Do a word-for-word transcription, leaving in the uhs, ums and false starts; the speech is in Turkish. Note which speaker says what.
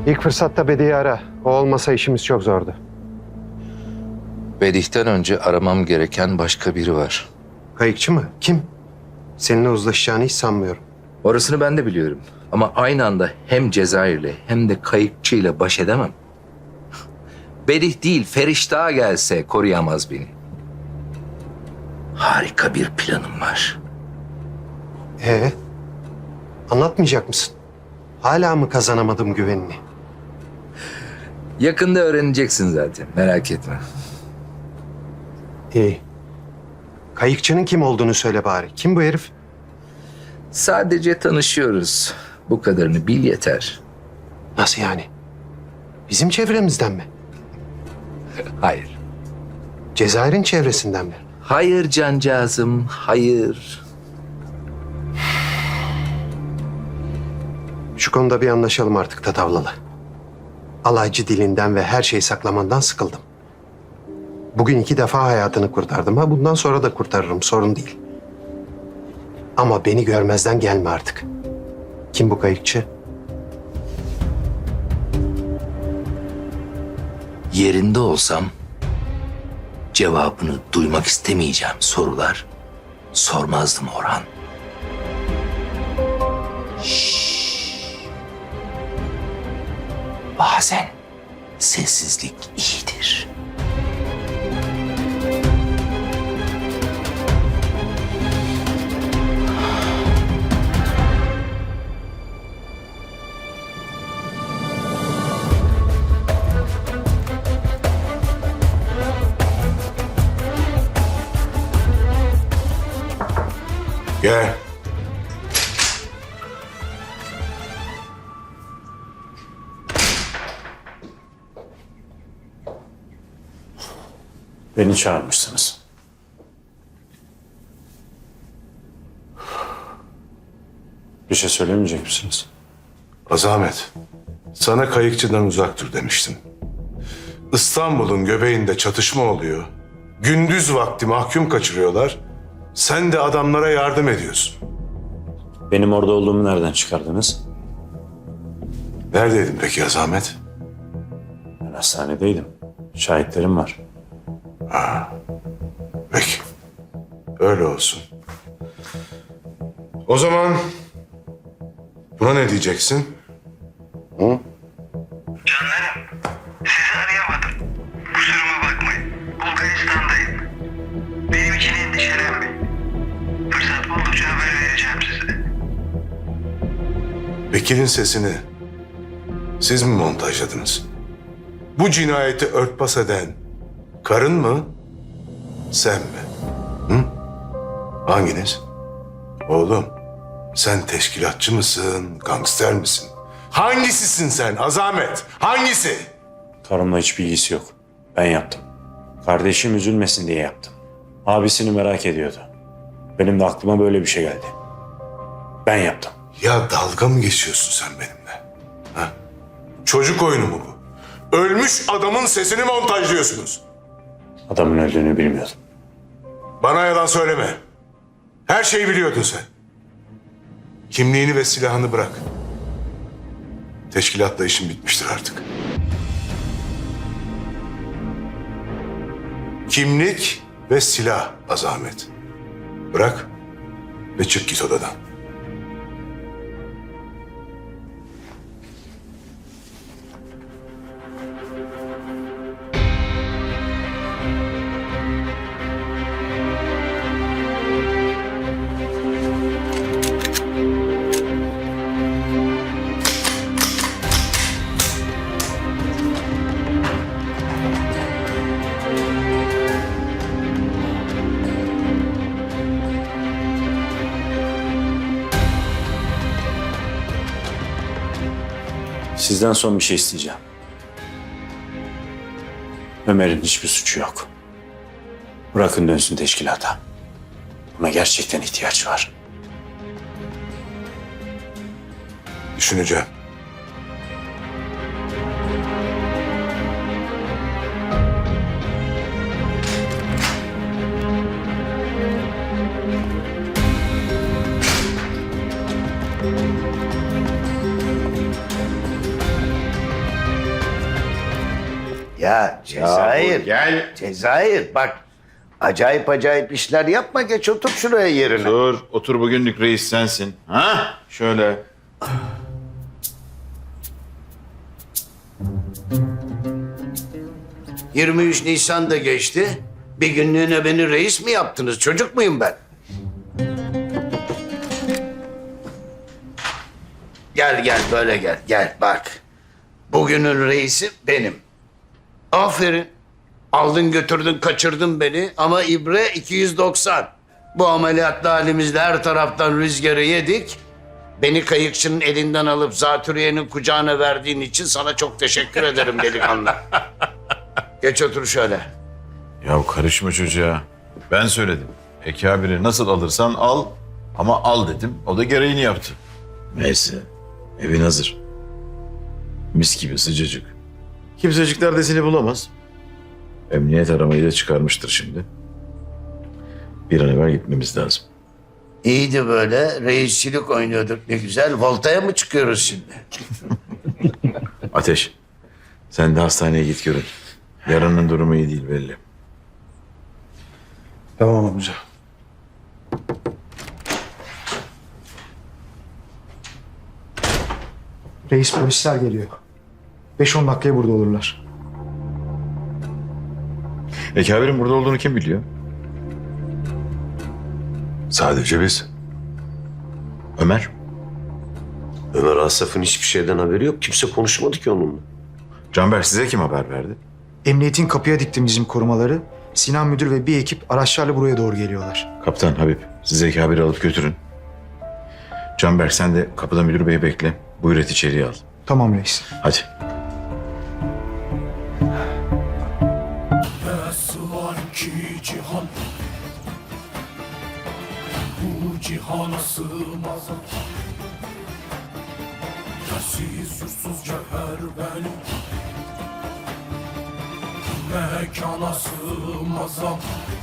Speaker 1: İlk fırsatta Bedi'yi ara. O olmasa işimiz çok zordu.
Speaker 2: Bedih'ten önce aramam gereken başka biri var.
Speaker 1: Kayıkçı mı? Kim? Seninle uzlaşacağını hiç sanmıyorum.
Speaker 2: Orasını ben de biliyorum. Ama aynı anda hem Cezayir'le hem de kayıkçıyla baş edemem. Bedih değil, Feriştah gelse koruyamaz beni. Harika bir planım var.
Speaker 1: Ee, anlatmayacak mısın? Hala mı kazanamadım güvenini?
Speaker 2: Yakında öğreneceksin zaten, merak etme.
Speaker 1: İyi. Kayıkçının kim olduğunu söyle bari. Kim bu herif?
Speaker 2: Sadece tanışıyoruz. Bu kadarını bil yeter.
Speaker 1: Nasıl yani? Bizim çevremizden mi?
Speaker 2: Hayır.
Speaker 1: Cezayir'in çevresinden mi?
Speaker 2: Hayır cancağızım, hayır.
Speaker 1: Şu konuda bir anlaşalım artık Tatavlalı. Alaycı dilinden ve her şeyi saklamandan sıkıldım. Bugün iki defa hayatını kurtardım. Ha bundan sonra da kurtarırım, sorun değil. Ama beni görmezden gelme artık. Kim bu kayıkçı?
Speaker 2: Yerinde olsam cevabını duymak istemeyeceğim sorular sormazdım Orhan. Şşş. Bazen sessizlik iyidir.
Speaker 3: Gel.
Speaker 4: Beni çağırmışsınız. Bir şey söylemeyecek misiniz?
Speaker 3: Azamet, sana kayıkçıdan uzak dur demiştim. İstanbul'un göbeğinde çatışma oluyor. Gündüz vakti mahkum kaçırıyorlar. Sen de adamlara yardım ediyorsun.
Speaker 4: Benim orada olduğumu nereden çıkardınız?
Speaker 3: Neredeydin peki Azamet?
Speaker 4: Ben hastanedeydim. Şahitlerim var.
Speaker 3: Peki. Öyle olsun. O zaman buna ne diyeceksin?
Speaker 5: Canlarım, sizi arayamadım. Kusuruma bakmayın. Bulgaristan'dayım. Benim için endişelenmeyin. Fırsat buldukça haber vereceğim size.
Speaker 3: Bekir'in sesini siz mi montajladınız? Bu cinayeti örtbas eden karın mı, sen mi? Hı? Hanginiz? Oğlum, sen teşkilatçı mısın, gangster misin? Hangisisin sen Azamet? Hangisi?
Speaker 4: Karımla hiçbir ilgisi yok. Ben yaptım. Kardeşim üzülmesin diye yaptım. Abisini merak ediyordu. Benim de aklıma böyle bir şey geldi. Ben yaptım.
Speaker 3: Ya dalga mı geçiyorsun sen benimle? Ha? Çocuk oyunu mu bu? Ölmüş adamın sesini montajlıyorsunuz.
Speaker 4: Adamın öldüğünü bilmiyordum.
Speaker 3: Bana yalan söyleme. Her şeyi biliyordun sen. Kimliğini ve silahını bırak. Teşkilatla işin bitmiştir artık. Kimlik ve silah Azamet. Bırak ve çık git odadan.
Speaker 4: Sizden son bir şey isteyeceğim. Ömer'in hiçbir suçu yok. Bırakın dönsün teşkilata. Buna gerçekten ihtiyaç var.
Speaker 3: Düşüneceğim.
Speaker 6: Ya Cezayir.
Speaker 7: gel.
Speaker 6: Cezayir bak. Acayip acayip işler yapma. Geç otur şuraya yerine.
Speaker 7: Dur, otur bugünlük reis sensin. Ha? Şöyle.
Speaker 6: yirmi üç Nisan da geçti. Bir günlüğüne beni reis mi yaptınız? Çocuk muyum ben? Gel gel böyle gel. Gel bak. Bugünün reisi benim. Aferin. Aldın götürdün kaçırdın beni ama ibre iki yüz doksan. Bu ameliyatlı halimizde her taraftan rüzgarı yedik. Beni kayıkçının elinden alıp zatürreyenin kucağına verdiğin için sana çok teşekkür ederim delikanlı. Geç otur şöyle.
Speaker 7: Ya karışma çocuğa. Ben söyledim. Ekabiri nasıl alırsan al ama al dedim. O da gereğini yaptı. Neyse. Evin hazır. Mis gibi sıcacık. Kimsecikler de seni bulamaz. Emniyet aramayı da çıkarmıştır şimdi. Bir an evvel gitmemiz lazım.
Speaker 6: İyiydi böyle. Reisçilik oynuyorduk ne güzel. Voltaya mı çıkıyoruz şimdi?
Speaker 7: Ateş, sen de hastaneye git görün. Yarının durumu iyi değil belli.
Speaker 3: Tamam amca.
Speaker 8: Reis polisler geliyor. Beş on dakikaya burada olurlar.
Speaker 7: Ekabir'in burada olduğunu kim biliyor?
Speaker 3: Sadece biz.
Speaker 7: Ömer.
Speaker 9: Ömer Asaf'ın hiçbir şeyden haberi yok. Kimse konuşmadı ki onunla.
Speaker 7: Canberk size kim haber verdi?
Speaker 8: Emniyetin kapıya diktim bizim korumaları. Sinan müdür ve bir ekip araçlarla buraya doğru geliyorlar.
Speaker 7: Kaptan Habib, siz Ekabir'i alıp götürün. Canberk sen de kapıda müdür beyi bekle. Buyur et içeriye al.
Speaker 8: Tamam reis.
Speaker 7: Hadi.
Speaker 10: Var ki cihan, bu cihana sığmaz. Yersiz yursuz cevher benim, mekana sığmaz.